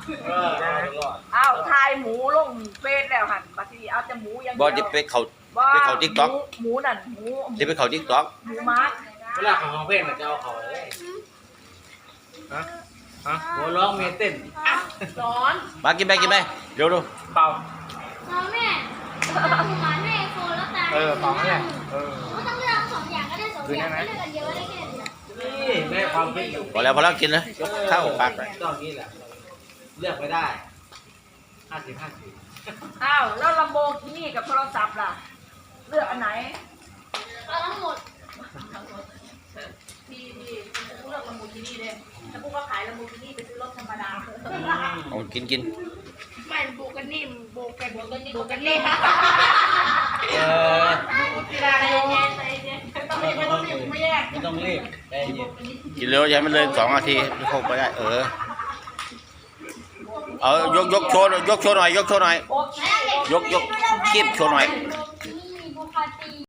อ้าวทายหมูลงเฟซแล้วหันบางทีเอาแต่หมูอย่างเดีบ่ยวจะไปเขาติ๊กต็อกหมูนั่นหมูจะไปเขาติ๊กต็อกหมูมัดเวลาของเพลงมันจะเอาเขาเลยฮะหัวร้องเมเต้นร้อนมากินไปเดี๋ยวดูเป่าเราแม่หมูหมาแม่โฟนแล้วตายเป่าเนี่ยก็ต้องเลือกสองอย่างก็ได้สองอย่างไม่เลือกกันเยอะได้แค่นี้นี่แม่ความคิดอยู่พอแล้วกินเลยยกข้าวปากไปตอนนี้แหละเลือกไม่ได้50 อ้าวแล้วลำโบกินี่กับโทรศัพท์ล่ะเลือกอันไหนเอาทั้งหมดที่กูเลือกลำโบกินี่เลยถ้ากูก็ขายลำโบกินี่ไปซื้อรถธรรมดาเอากินไม่โบกันนี่โบกันนี่ กีฬาโยต้องรีบไม่แยกไม่ต้องรีบใจเย็นกินเร็วอย่าให้มันเลย2 นาทีเข้าไปได้เอายกโชว์หน่อยยกโชว์หน่อยโอ๊ยกคีบโชว์หน่อยนี่บุคคลตี